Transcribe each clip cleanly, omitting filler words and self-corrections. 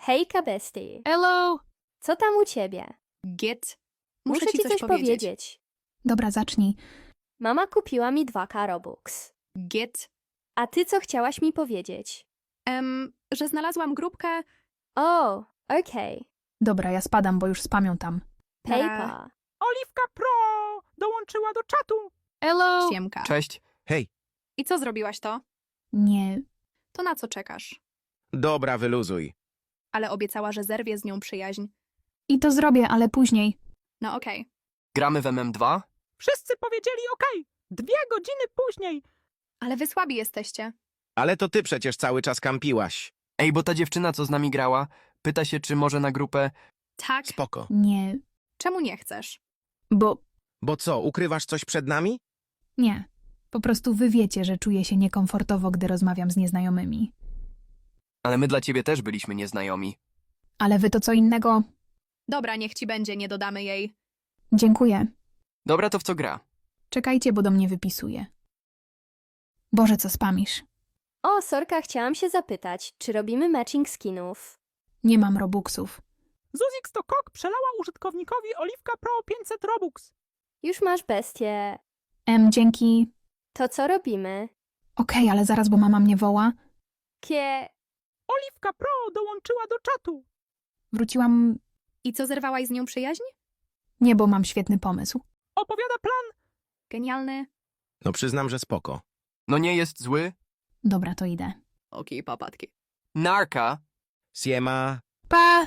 Hejka, bestie. Hello! Co tam u ciebie? Git. Muszę ci coś powiedzieć. Dobra, zacznij. Mama kupiła mi 2K Robux. Git. A ty co chciałaś mi powiedzieć? Że znalazłam grupkę. O, okej. Dobra, ja spadam, bo już spamią tam. Paper. Oliwka Pro dołączyła do czatu. Hello! Siemka. Cześć. Hej, I co zrobiłaś to? Nie, To na co czekasz? dobra, wyluzuj. Ale obiecała, że zerwie z nią przyjaźń. i to zrobię, ale później. No okej. Gramy w MM2? Wszyscy powiedzieli OK. 2 godziny później. Ale wy słabi jesteście. Ale to ty przecież cały czas kampiłaś. Ej, bo ta dziewczyna, co z nami grała, pyta się, czy może na grupę... Tak. Spoko. Nie, Czemu nie chcesz? bo Bo co, ukrywasz coś przed nami? nie. Po prostu wy wiecie, że czuję się niekomfortowo, gdy rozmawiam z nieznajomymi. Ale my dla ciebie też byliśmy nieznajomi. Ale wy to co innego. Dobra, niech ci będzie, nie dodamy jej. Dziękuję. Dobra, to w co gra? Czekajcie, bo do mnie wypisuje. Boże, co spamisz? O, sorka, chciałam się zapytać, czy robimy matching skinów? Nie mam robuxów. Zuzix to kok przelała użytkownikowi Oliwka Pro 500 Robux. Już masz bestię. Dzięki. To co robimy? Okej, ale zaraz, bo mama mnie woła. Kie... Oliwka Pro dołączyła do czatu. Wróciłam... I co, zerwałaś z nią przyjaźń? Nie, bo mam świetny pomysł. Opowiada plan. Genialny. No przyznam, że spoko. No nie jest zły? Dobra, to idę. Okej, papatki. Narka? Siema. Pa!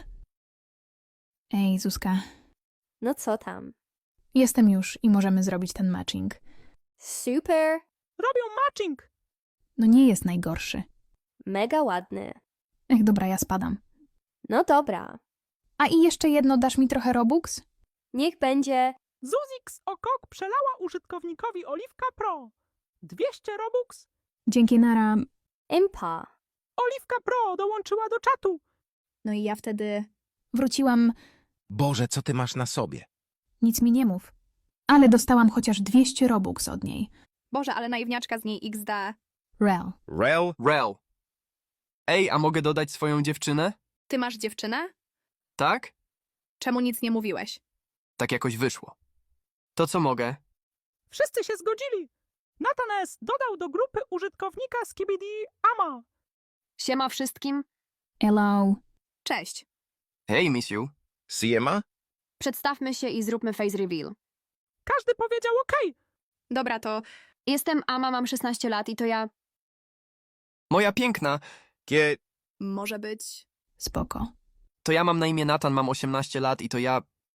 Ej, Zuzka. No co tam? Jestem już i możemy zrobić ten matching. Super. Robią matching. No nie jest najgorszy. Mega ładny. Ech, dobra, ja spadam. No dobra. A i jeszcze jedno, dasz mi trochę robux? Niech będzie... Zuzix o kok przelała użytkownikowi Oliwka Pro 200 Robux. Dzięki, nara. Impa. Oliwka Pro dołączyła do czatu. No i ja wtedy... Wróciłam, Boże, co ty masz na sobie? nic mi nie mów. Ale dostałam chociaż 200 robux od niej. Boże, ale naiwniaczka z niej XD. Rel. Rel? Rel. Ej, a mogę dodać swoją dziewczynę? Ty masz dziewczynę? Tak? Czemu nic nie mówiłeś? Tak jakoś wyszło. To co mogę? Wszyscy się zgodzili. Natanes dodał do grupy użytkownika Skibidi Ama. Siema wszystkim. Hello. Cześć. Hej, misiu. Siema? Przedstawmy się i zróbmy face reveal. Każdy powiedział OK. Dobra, to... Jestem Ama, mam 16 lat i to ja... Moja piękna. Kie... Może być... Spoko. To ja mam na imię Natan, mam 18 lat i to ja...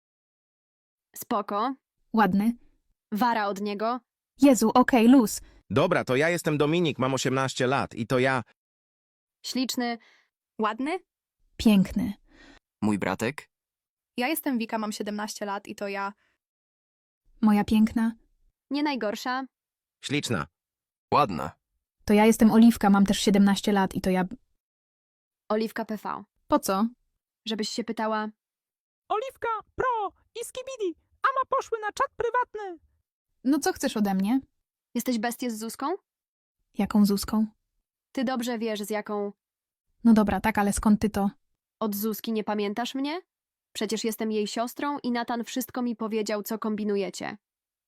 Spoko. Ładny. Wara od niego. Jezu, okej, luz. Dobra, to ja jestem Dominik, mam 18 lat i to ja... Śliczny. Ładny. Piękny. Mój bratek? Ja jestem Wika, mam 17 lat i to ja... Moja piękna. Nie najgorsza. Śliczna. Ładna. To ja jestem Oliwka, mam też 17 lat i to ja... Oliwka PV. Po co? Żebyś się pytała... Oliwka Pro i Skibidi Ama poszły na czat prywatny. No co chcesz ode mnie? Jesteś bestię z Zuzką? Jaką Zuzką? Ty dobrze wiesz, z jaką... No dobra, tak, ale skąd ty to? Od Zuzki nie pamiętasz mnie? Przecież jestem jej siostrą i Natan wszystko mi powiedział, co kombinujecie.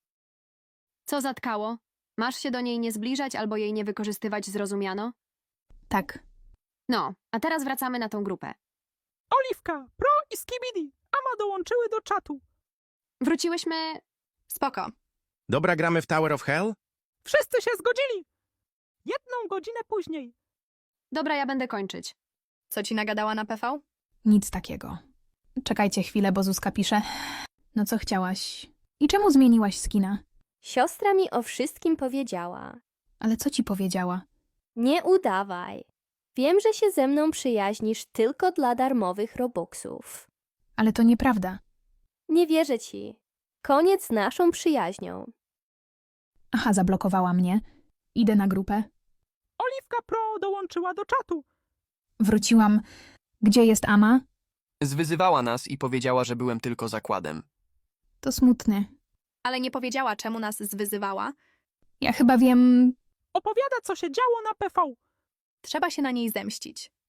Co zatkało? Masz się do niej nie zbliżać albo jej nie wykorzystywać, zrozumiano? Tak. No, a teraz wracamy na tą grupę. Oliwka Pro i Skibidi Ama dołączyły do czatu. Wróciłyśmy... Spoko. Dobra, gramy w Tower of Hell? Wszyscy się zgodzili. 1 godzinę później. Dobra, ja będę kończyć. Co ci nagadała na PV? Nic takiego. Czekajcie chwilę, bo Zuzka pisze. No co chciałaś? I czemu zmieniłaś skina? Siostra mi o wszystkim powiedziała. Ale co ci powiedziała? Nie udawaj. Wiem, że się ze mną przyjaźnisz tylko dla darmowych Robuxów. Ale to nieprawda. Nie wierzę ci. Koniec z naszą przyjaźnią. Aha, zablokowała mnie. Idę na grupę. Oliwka Pro dołączyła do czatu. Wróciłam. Gdzie jest Ama? Zwyzywała nas i powiedziała, że byłem tylko zakładem. To smutny. Ale nie powiedziała, czemu nas zwyzywała. Ja chyba wiem... Opowiada, co się działo na PV. Trzeba się na niej zemścić.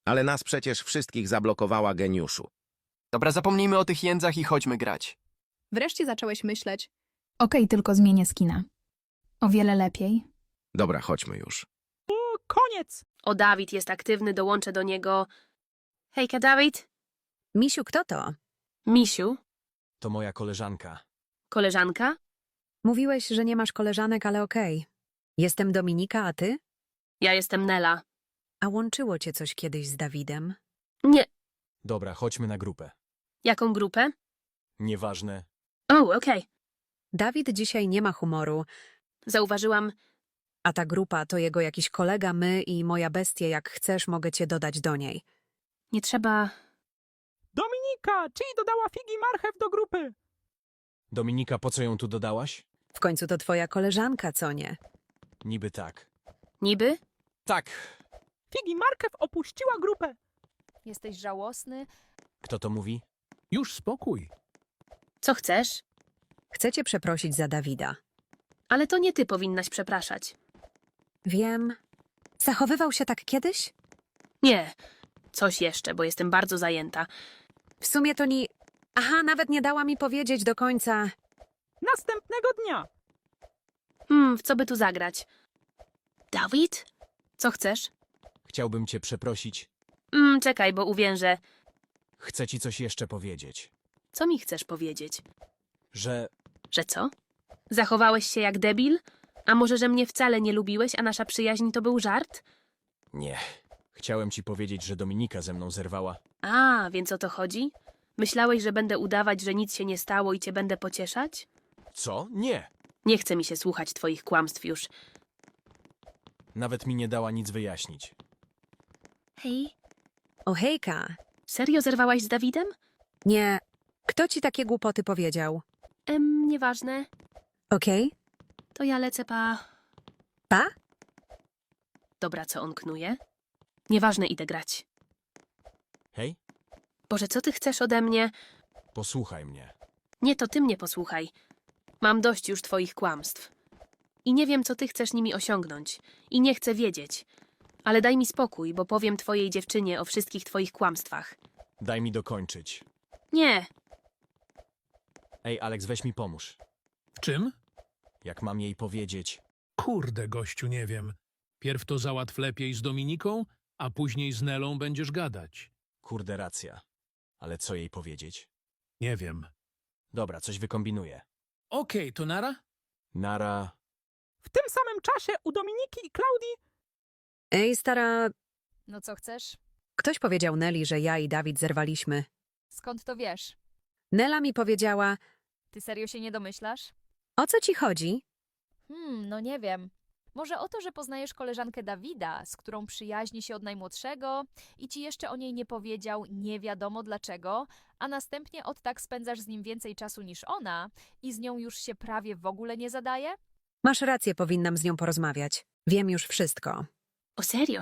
Ale nas przecież wszystkich zablokowała geniuszu. Dobra, zapomnijmy o tych jędzach i chodźmy grać. Wreszcie zacząłeś myśleć. Okej, tylko zmienię skina. O wiele lepiej. Dobra, chodźmy już. Koniec! O, Dawid jest aktywny, dołączę do niego. Hejka, Dawid. Misiu, kto to? Misiu, To moja koleżanka. koleżanka? Mówiłeś, że nie masz koleżanek, ale okej. Jestem Dominika, a ty? Ja jestem Nela. A łączyło cię coś kiedyś z Dawidem? Nie, Dobra, chodźmy na grupę. jaką grupę? Nieważne. O, okej. Dawid dzisiaj nie ma humoru, Zauważyłam. a ta grupa to jego jakiś kolega, my i moja bestia. Jak chcesz, mogę cię dodać do niej. Nie trzeba... Dominika, czyli dodała figi marchew do grupy. Dominika, po co ją tu dodałaś? W końcu to twoja koleżanka, co nie? Niby tak. Niby? Tak. Figi marchew opuściła grupę. Jesteś żałosny? Kto to mówi? Już spokój. Co chcesz? Chcę cię przeprosić za Dawida. Ale to nie ty powinnaś przepraszać. Wiem. Zachowywał się tak kiedyś? Nie. Coś jeszcze, bo jestem bardzo zajęta. W sumie to nie... Aha, nawet nie dała mi powiedzieć do końca. Następnego dnia. W co by tu zagrać? Dawid? Co chcesz? Chciałbym cię przeprosić. Czekaj, bo uwiężę. Chcę ci coś jeszcze powiedzieć. Co mi chcesz powiedzieć? Że Że co? Zachowałeś się jak debil? A może, że mnie wcale nie lubiłeś, a nasza przyjaźń to był żart? nie. Chciałem ci powiedzieć, że Dominika ze mną zerwała. A, więc o to chodzi? Myślałeś, że będę udawać, że nic się nie stało i cię będę pocieszać? Co? Nie. Nie chce mi się słuchać twoich kłamstw już. Nawet mi nie dała nic wyjaśnić. Hej, O hejka. serio zerwałaś z Dawidem? Nie. Kto ci takie głupoty powiedział? Nieważne. Okej? To ja lecę pa... Pa? Dobra, co on knuje? Nieważne, idę grać. Hej, Boże, co ty chcesz ode mnie? posłuchaj mnie. Nie, to ty mnie posłuchaj. Mam dość już twoich kłamstw. I nie wiem, co ty chcesz nimi osiągnąć. I nie chcę wiedzieć. Ale daj mi spokój, bo powiem twojej dziewczynie o wszystkich twoich kłamstwach. Daj mi dokończyć. Nie, Ej, Alex, weź mi pomóż. W czym? Jak mam jej powiedzieć? Kurde, gościu, nie wiem. Pierw to załatw lepiej z Dominiką, a później z Nelą będziesz gadać. Kurde, racja. Ale co jej powiedzieć? Nie wiem. Dobra, coś wykombinuję. Okej, to nara? Nara... W tym samym czasie u Dominiki i Klaudii Ej, stara... No co chcesz? Ktoś powiedział Neli, że ja i Dawid zerwaliśmy. Skąd to wiesz? Nela mi powiedziała... Ty serio się nie domyślasz? O co ci chodzi? No nie wiem. Może o to, że poznajesz koleżankę Dawida, z którą przyjaźni się od najmłodszego i ci jeszcze o niej nie powiedział, nie wiadomo dlaczego, a następnie od tak spędzasz z nim więcej czasu niż ona i z nią już się prawie w ogóle nie zadaje? Masz rację, powinnam z nią porozmawiać. Wiem już wszystko. o serio?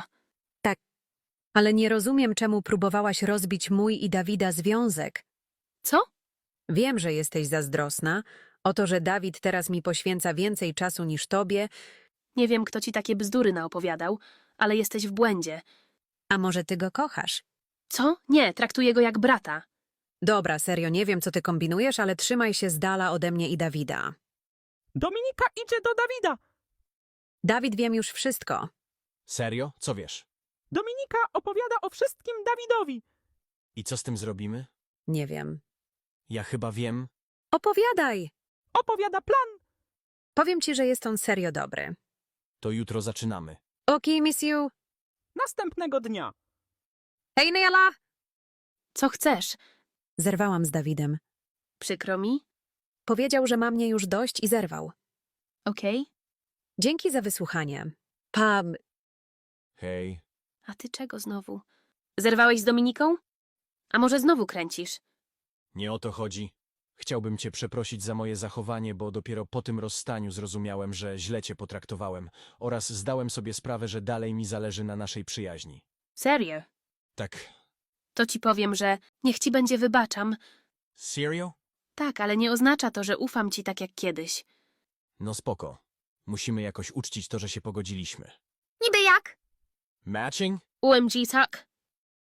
Ale nie rozumiem, czemu próbowałaś rozbić mój i Dawida związek. Co? Wiem, że jesteś zazdrosna o to, że Dawid teraz mi poświęca więcej czasu niż tobie, Nie wiem, kto ci takie bzdury naopowiadał, ale jesteś w błędzie. a może ty go kochasz? Co? Nie, traktuję go jak brata. Dobra, serio, nie wiem, co ty kombinujesz, ale trzymaj się z dala ode mnie i Dawida. Dominika idzie do Dawida. Dawid, wiem już wszystko. Serio? Co wiesz? Dominika opowiada o wszystkim Dawidowi. I co z tym zrobimy? Nie wiem. Ja chyba wiem. Opowiadaj! Opowiada plan. Powiem ci, że jest on serio dobry. To jutro zaczynamy. Okej, miss you. Następnego dnia. Hej, Nela! Co chcesz? Zerwałam z Dawidem. Przykro mi? Powiedział, że ma mnie już dość i zerwał. Okej. Dzięki za wysłuchanie. Pa... Hej. A ty czego znowu? Zerwałeś z Dominiką? A może znowu kręcisz? Nie o to chodzi. Chciałbym cię przeprosić za moje zachowanie, bo dopiero po tym rozstaniu zrozumiałem, że źle cię potraktowałem oraz zdałem sobie sprawę, że dalej mi zależy na naszej przyjaźni. Serio? Tak. To ci powiem, że niech ci będzie wybaczam. Serio? Tak, ale nie oznacza to, że ufam ci tak jak kiedyś. No spoko. Musimy jakoś uczcić to, że się pogodziliśmy. Niby jak? Matching? OMG, tak?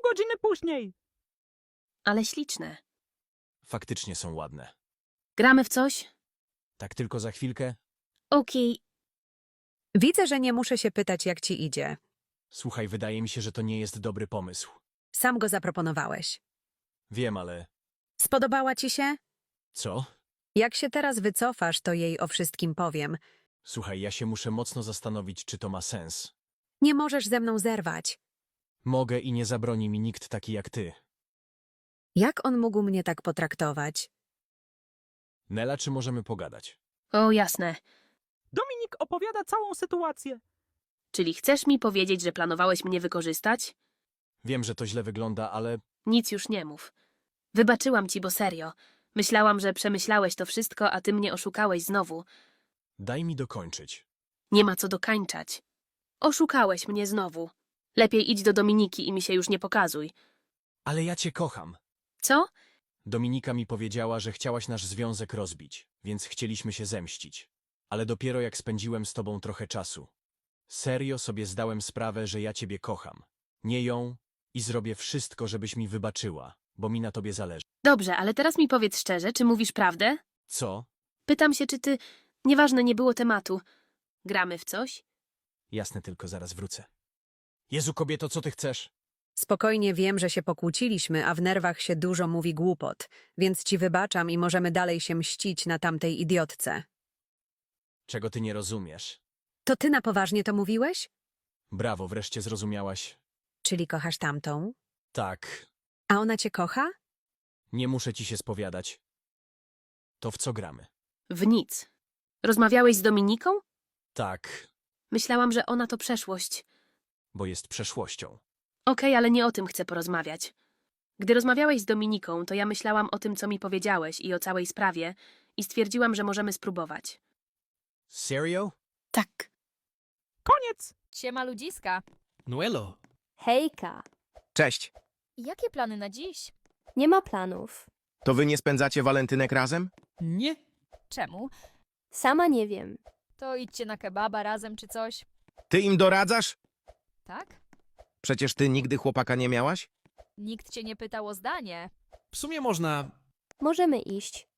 godziny później. Ale śliczne. Faktycznie są ładne. Gramy w coś? Tak tylko za chwilkę? Okej. Widzę, że nie muszę się pytać, jak ci idzie. Słuchaj, wydaje mi się, że to nie jest dobry pomysł. Sam go zaproponowałeś. Wiem, ale... Spodobała ci się? Co? Jak się teraz wycofasz, to jej o wszystkim powiem. Słuchaj, ja się muszę mocno zastanowić, czy to ma sens. Nie możesz ze mną zerwać. Mogę i nie zabroni mi nikt taki jak ty. Jak on mógł mnie tak potraktować? Nela, czy możemy pogadać? O, jasne. Dominik opowiada całą sytuację. Czyli chcesz mi powiedzieć, że planowałeś mnie wykorzystać? Wiem, że to źle wygląda, ale Nic już nie mów. Wybaczyłam ci, bo serio. Myślałam, że przemyślałeś to wszystko, a ty mnie oszukałeś znowu. daj mi dokończyć. Nie ma co dokańczać. Oszukałeś mnie znowu. Lepiej idź do Dominiki i mi się już nie pokazuj. Ale ja cię kocham. Co? Dominika mi powiedziała, że chciałaś nasz związek rozbić, więc chcieliśmy się zemścić. Ale dopiero jak spędziłem z tobą trochę czasu. Serio sobie zdałem sprawę, że ja ciebie kocham. Nie ją i zrobię wszystko, żebyś mi wybaczyła, bo mi na tobie zależy. Dobrze, ale teraz mi powiedz szczerze, czy mówisz prawdę? Co? Pytam się, czy ty... Nieważne, nie było tematu. Gramy w coś? Jasne, tylko zaraz wrócę. Jezu, kobieto, co ty chcesz? Spokojnie wiem, że się pokłóciliśmy, a w nerwach się dużo mówi głupot, więc ci wybaczam i możemy dalej się mścić na tamtej idiotce. Czego ty nie rozumiesz? To ty na poważnie to mówiłeś? Brawo, wreszcie zrozumiałaś. Czyli kochasz tamtą? Tak, A ona cię kocha? nie muszę ci się spowiadać. To w co gramy? W nic. Rozmawiałeś z Dominiką? Tak, Myślałam, że ona to przeszłość. bo jest przeszłością. Okej, ale nie o tym chcę porozmawiać. Gdy rozmawiałeś z Dominiką, to ja myślałam o tym, co mi powiedziałeś i o całej sprawie i stwierdziłam, że możemy spróbować. Serio? Tak. Koniec. Siema ludziska. Nuelo, Hejka. Cześć. Jakie plany na dziś? Nie ma planów. To wy nie spędzacie walentynek razem? nie? Czemu? Sama nie wiem. To idźcie na kebaba razem czy coś? Ty im doradzasz? Tak? Przecież ty nigdy chłopaka nie miałaś? Nikt cię nie pytał o zdanie. W sumie można... Możemy iść.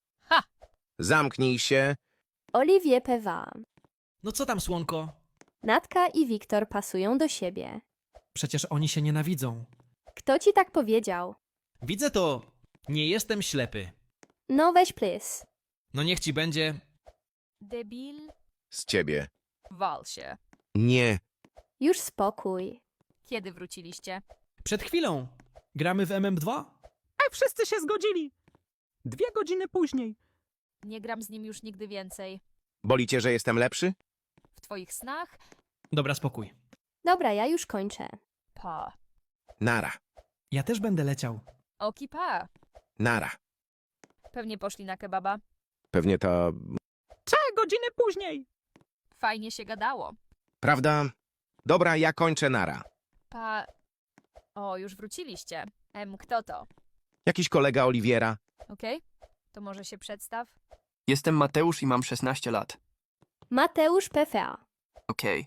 Zamknij się. Olivier Pewa. No co tam, słonko? Natka i Wiktor pasują do siebie. Przecież oni się nienawidzą. Kto ci tak powiedział? Widzę to. Nie jestem ślepy. No weź plys. No niech ci będzie. Debil? Z ciebie. Wal się. Nie. Już spokój. Kiedy wróciliście? Przed chwilą. Gramy w MM2? Wszyscy się zgodzili. 2 godziny później. Nie gram z nim już nigdy więcej. Boli cię, że jestem lepszy? W twoich snach? Dobra, spokój. Dobra, ja już kończę. Pa. Nara. Ja też będę leciał. Oki pa. Nara. Pewnie poszli na kebaba. Pewnie ta... 3 godziny później. Fajnie się gadało. Prawda? Dobra, ja kończę nara. Pa... O, już wróciliście. Kto to? Jakiś kolega Oliwiera. Okej? To może się przedstaw? Jestem Mateusz i mam 16 lat. Mateusz PFA. Okej,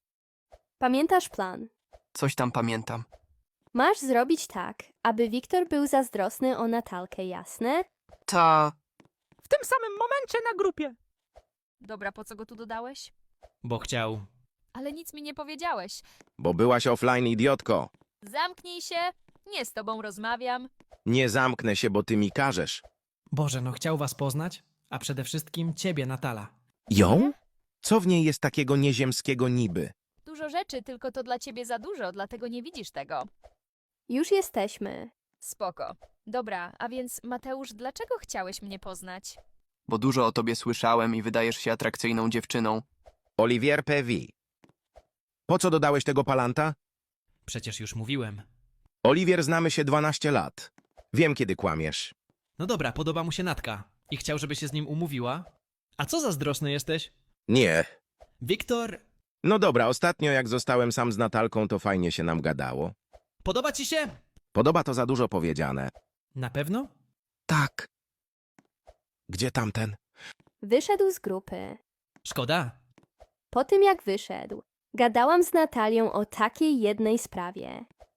Pamiętasz plan? coś tam pamiętam. Masz zrobić tak, aby Wiktor był zazdrosny o Natalkę, jasne? Ta... W tym samym momencie na grupie. Dobra, po co go tu dodałeś? Bo chciał. Ale nic mi nie powiedziałeś. Bo byłaś offline, idiotko. Zamknij się. Nie z tobą rozmawiam. Nie zamknę się, bo ty mi każesz. Boże, no chciał was poznać, a przede wszystkim ciebie, Natala. Ją? Co w niej jest takiego nieziemskiego niby? Dużo rzeczy, tylko to dla ciebie za dużo, dlatego nie widzisz tego. Już jesteśmy. Spoko. Dobra, a więc Mateusz, dlaczego chciałeś mnie poznać? Bo dużo o tobie słyszałem i wydajesz się atrakcyjną dziewczyną. Olivier Pevi. Po co dodałeś tego palanta? Przecież już mówiłem. Oliwier, znamy się 12 lat. Wiem, kiedy kłamiesz. No dobra, podoba mu się Natka. I chciał, żeby się z nim umówiła. A co zazdrosny jesteś? Nie. Wiktor, No dobra, ostatnio jak zostałem sam z Natalką, to fajnie się nam gadało. podoba ci się? Podoba to za dużo powiedziane. Na pewno? Tak. Gdzie tamten? Wyszedł z grupy. Szkoda. Po tym jak wyszedł, gadałam z Natalią o takiej jednej sprawie.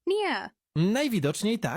Nie. Najwidoczniej tak.